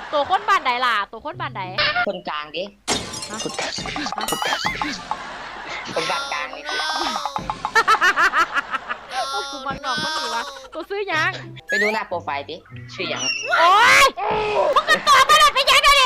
ตัวคนบ้านใดล่ะตัวคนบ้านใดคนกลางดิคนกลางคนบ้านกลางนี่โอ้กูมันหนอกมันหนีวะตัวซื้อยังไปดูหน้าโปรไฟล์ดิชื่ออย่างโอ๊ยมึงก็ตอบมาเลยไปยังเลยดิ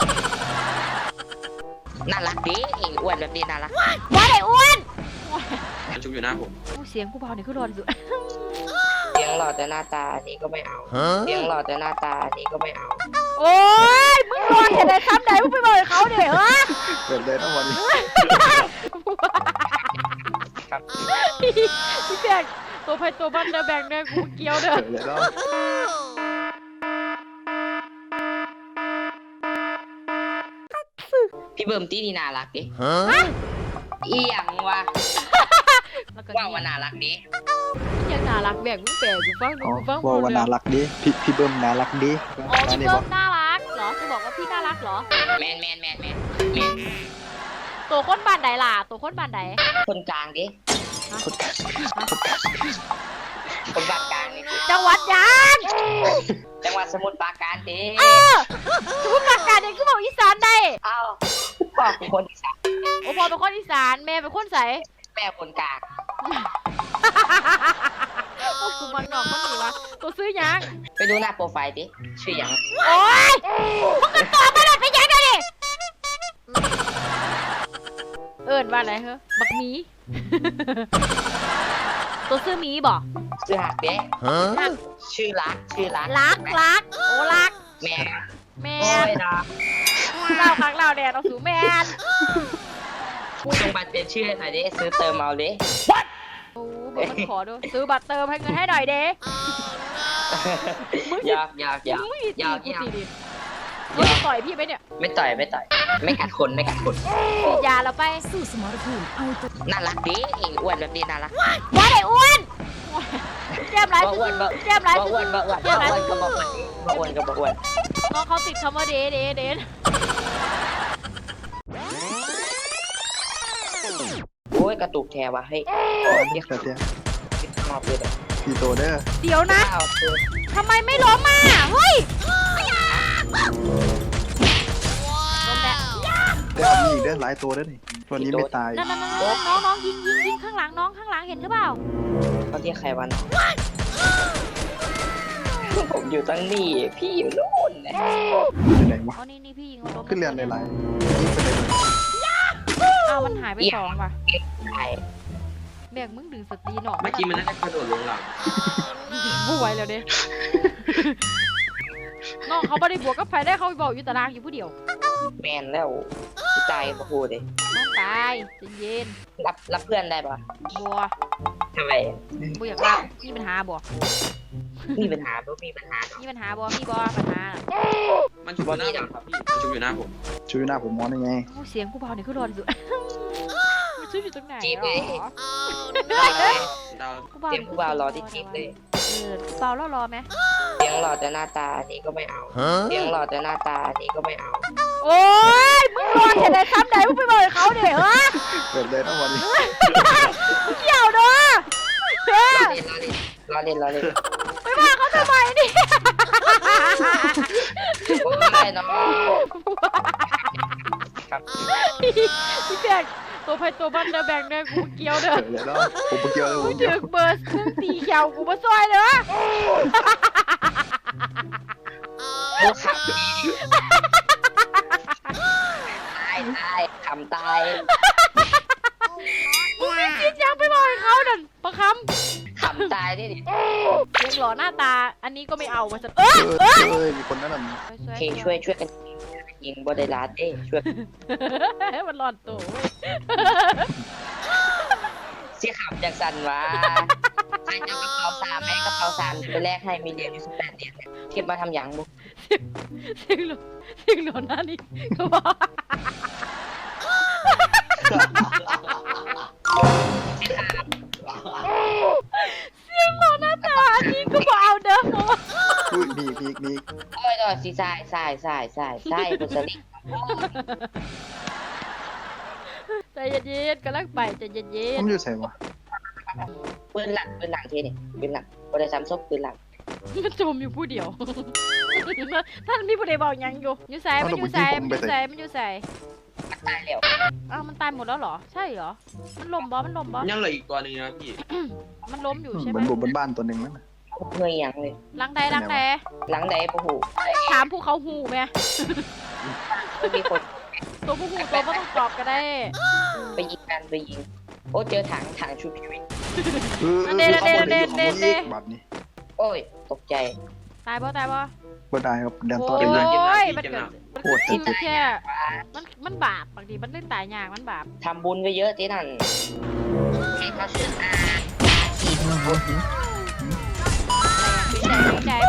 น่ารักดิอ้วนแบบนี้น่ารักว่าไอ้อ้วนมันชุบอยู่หน้าผมเสียงกูเบาเนี่ยคือรอนสุดเสียงหล่อแต่หน้าตาอันนี้ก็ไม่เอาเสียงหล่อแต่หน้าตาอันนี้ก็ไม่เอาโอ๊ยมึงรอนเห็นอะไรซ้ำใดมึงไปบอกเขาเดี๋ยวฮะเกิดเลยทั้งวันนี้พี่แบงตัวไพ่ตัวบ้านเด้อแบงเด้อกูเกี้ยวเด้อเกิดเลยแล้วพี่เบิ่มตีนี่น่ารักดิเอียงวะว่าว่าน่ารักดิยังน่ารักแบงมึงแปลกูฟังกูฟังว่าน่ารักดิพี่เบิ้มน่ารักดิอ๋อพี่เบิ้มน่ารักเหรอจะบอกว่าพี่น่ารักเหรอแมนตัวคนบ้านใดล่ะตัวคนบ้านใดคนกลางดิคนกลางคนบ้านกลางนี่จังหวัดยังจังหวัดสมุทรปราการดิสมุทรปราการเองคือบอกอีสานได้อ้าวพ่อเป็นคนอีสานโอ้พ่อเป็นคนอีสานแม่เป็นคนใสแม่คนกลางโอ้กูมันหนอกมันหนีวะตัวซื้อยังไปดูหน้าโปรไฟล์ดิชื่ออย่างโอ๊ยมึงก็ตอบมาเลยไปยังเลยดิเอิญว่าอะไรเหรอบักหมีตัวซื้อหมีบ่ชื่อหักเด้ชื่อรักโอ้รักแม่เล่าครั้งเล่าแดดเอาสูแมนกูต้องบัตรเป็นชื่อหน่อยดิซื้อเติมเอาดิโอ้มึงมันขอดูซื้อบัตรเติมให้เงินให้หน่อยเด้อยากมึงต่อยพี่ไหมเนี่ยไม่ต่อยไม่กัดคนฉีดยาเราไปสู้สมรภูมิเอาตัวน่ารักดิอ้วนแบบนี้น่ารักว่าไอ้อ้วนแก้มร้ายอ้วนก็บอกอ้วนน้องเขาติดคำว่าเดโอ้ยกระตุกแทวะให้เรียกแบบเนี้ยชอบเลยพี่โตเด้อเดี๋ยวนะทำไมไม่ล้มมาเฮ้ยเดี๋ยวมีอีกเด้อหลายตัวเด้อนี่ตัวนี้ไม่ตายน้องยิงข้างหลังน้องข้างหลังเห็นหรือเปล่าเขาเรียกใครวะน้องผมอยู่ตั้งนี่พี่อยู่โน่นเนี่ยอยู่ไหนวะอ๋อนี่พี่ยิงขึ้นเรียนหลายเอามันหายไป2ว่ะแบกมึงดึงสตีหนอเมื่อกี้มันน่าจะกระโดดลงหลังไม่ไหวแล้วเด้น้องเขาไม่ได้บวกกับไฟได้เขาไปบอกอยู่ตารางอยู่ผู้เดียวแมนแล้วตายปะพูดเลยน้องตายเย็นรับเพื่อนได้ปะบัวทำไมบัวอยากรับมีปัญหาบัวมีปัญหาบัวมีปัญหาบัวมันชุบอยู่หน้าผมครับพี่มันชุบอยู่หน้าผมมองได้ไงเสียงกูเบาเนี่ยคือรอนสุดมันชุบอยู่ตรงไหนจีบเลยเสียงกูเบารอที่จีบเลยเบาแล้วรอไหมเสียงหล่อแต่หน้าตาอันนี้ก็ไม่เอาเสียงหล่อแต่หน้าตาอันนี้ก็ไม่เอาโอ๊ยมึงรอนเห็นอะไรซ้ำใดมึงไปบอกเขาเดี๋ยวฮะเกิดเลยทั้งวันนี้เกี่ยวเนาะรอเล่นไปว่าเขาทำไมนี่ไม่ได้น้องครับพี่แบงตัวไพ่ตัวบ้านเด้อแบงเด้อกูเกี้ยวเด้อเกิดเลยแล้วผมเกี่ยวเลยกูถึกเบอร์ซึ่งตีเขียวกูมาซอยเด้อกูขับตายขำตายมึงไม่คิดยังไปบอกเขาดันประคำขำตายดิยังหล่อหน้าตาอันนี้ก็ไม่เอามาสักมีคนนั้นช่วยกันยิงบอดี้ลาดช่วยมันหลอนตัวเสียขำจากสันวะใครจะกระเป๋า3ให้กระเป๋า3ไปแลกให้มีเหรียญอยู่18 เหรียญเก็บมาทำอย่างบุเสียงหลอนหน้านี่ก็บอกเสียงหลอนหน้าตาอันนี้ก็บอกเอาเด้อพูดมีโอ้ยต่อสิใส่บุษลิใจเย็นๆกำลังไปใจเย็นๆผมอยู่ใส่วะปืนหลังทีนี่ปืนหลังบริษัทซบปืนหลังมันจมอยู่ผู้เดียวท่านมีผู้ใดบอกยังอยู่ใส่มันอยู่ใส่มันอยู่ใส่มันอยู่ใส่ตายแล้วอ้าวมันตายหมดแล้วเหรอใช่เหรอมันล้มบอมันล้มบอยังเหลืออีกตัวหนึงนะพี่มันล้มอยู่ใช่ไหบมนบนบ้านตัวหนึ่งนั่นน่ะเงยยังเลยหลังใดหลังใดหลังใดปะหูถามผู้เขาหูไหมมีคนตัวผู้หูตัวก็ต้องตอบก็ได้ไปยิงกันไปยิงโอ้เจอถังชูชีวิตเด่นบัตรนี้โอ้ยตกใจตายบ่ตายบ่ก็ได้ครับแดนโอ้ต่อเลยยมันเกิดมันแค่มันบาปบางทีมันเล่นตายยากมันบาปทำบุญไปเยอะที่นั่นให้เขาเชื่ออาขีดบุญเป็นไง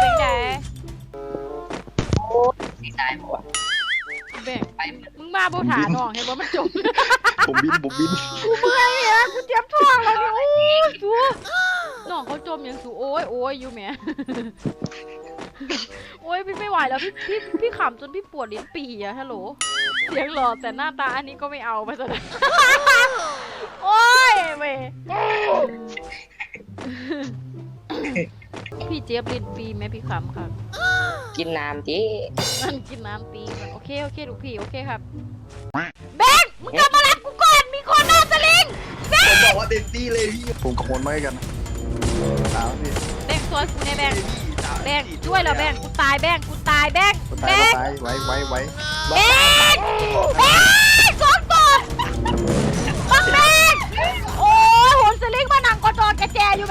สีตายหมดเบ่งมึงมาโบถาน้องเห็นบ่มันจมผมบินกูเมื่อยอ่ะกูเจ็บท้องแล้วนี่โอ้ยจูน้องเขาจมอย่างสูโอ้ยอยู่แหมโอ้ยพี่ไม่ไหวแล้วพี่ขำจนพี่ปวดลิ้นปี่อะฮัลโหลเสียงหล่อแต่หน้าตาอันนี้ก็ไม่เอาไปซะเลยโอ้ยเว้ยพี่เจี๊ยบลิ้นปีไหมพี่ขำค่ะกินน้ำจีมันกินน้ำปีมันโอเคลูกพี่โอเคครับแบงค์มึงกลับมารับกูก่อนมีคนหน้าสลิงผมบอกว่าเต็มที่เลยพี่ผมกับคนไว้กันสาวนี่แบงค์ซอยกูในแบงค์ช่วยเราแบงค์กูตายแบงค์ก็ตายไว้แบงค์สองตัวบักแบงค์โอ้ยโหนสลิงมานั่งกอดแกแจอยู่แหม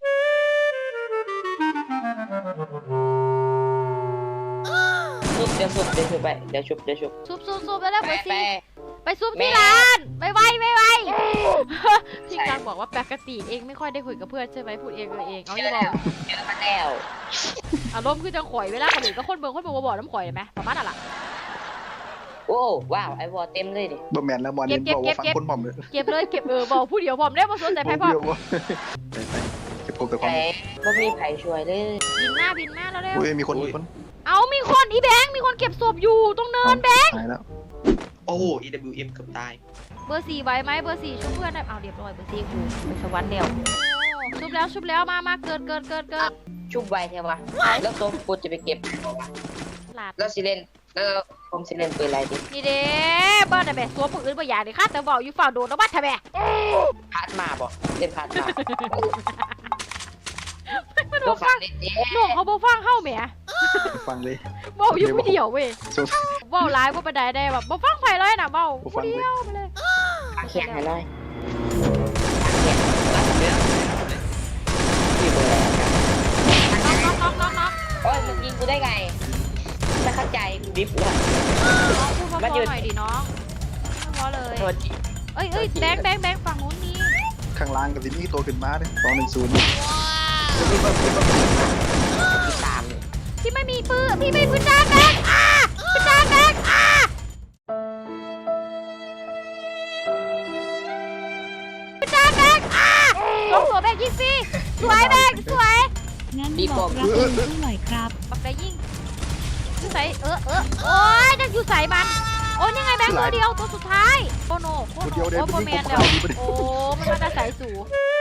ชุบเดี๋ยวชุบไปเดี๋ยวชุบซุบแล้วเบอร์สี่ไปซุบที่ร้านไปไวพี่กลางบอกว่าปกติเองไม่ค่อยได้คุยกับเพื่อนใช่ไหมพูดเองเลยเองเอาอย่าบอกเจอมาแล้วอารมณ์คือจังข่อยเวลาคนอื่นก็คนเบิ่งบอกน้ำข่อยเลยไหมประมาณนั้นล่ะโอ้ว้าวไอวอเต็มเลยดิบ่แมนแล้วบอลนี้บอกว่าฟังคนผมเลยเก็บเลยบอกผู้เดียวพร้อมได้มาสนใจไพ่พร้อมเก็บผมแต่ความไอ้บ่มีไผ่ช่วยเลยบินหน้าแล้วเร็วอุ้ยมีคนเอามีคนอีแบงค์มีคนเก็บศพอยู่ตรงเนินแบงค์ตายแล้วโอ้โห EWM เกือบตายเบอร์สี่ไว้ไหมเบอร์สี่ช่วยเพื่อนได้เอาเรียบร้อยเบอร์สี่กูไปสวรรค์แล้วชุบแล้วมาเกิดชุบไวเทวะแล้วตัวกูจะไปเก็บหลาดแล้วสิเล่นแล้วผมสิเล่นปืนอะไรดินี่เด้บ้านแต่แบบตัวปืนบ่อยากเลยค่ะแต่บอกอยู่ฝ่าโดนแล้วบ้านทำไมพาร์ทมาบ่เล่นพาร์ทมาไม่ตัต้วองฟัฟังงเล่นเด้น้องเขาบ่ฟังเข้าแหมฟังเลยบอกอยู่ผู้เดียวเว้ยบอกไลฟ์ว่าไปได้แบบบ่ฟังไผเลยนะเบาผู้เดียวไปเลยแข่งให้หน่อยน็อกโอ้ยมึงยิงกูได้ไงไม่เข้าใจกูดิฟเลยน้องพูดเพราะๆหน่อยดิน้องเพราะเลยโทษทีเอ้ยแบงค์ฝั่งนู้นมีข้างล่างกับที่นี่ตัวขึ้นมาเลย210 ตามพี่ไม่มีปืนพี่ไม่ปืนจ้าแบงค์ปืนจ้าแบงค์ปืนจ้าแบงค์ลงตัวแบงค์ยิงสิสวยแบงค์สวยงั้นบอกรักเองเท่าไหร่ครับปักได้ยิงอยู่ใส่โอ้ยจะอยู่ใส่มันโอ้ยยังไงแบงค์ตัวเดียวตัวสุดท้ายโอ้โนโคโนโอ้โปรแมนแล้วโอ้มันมาแต่ใส่สู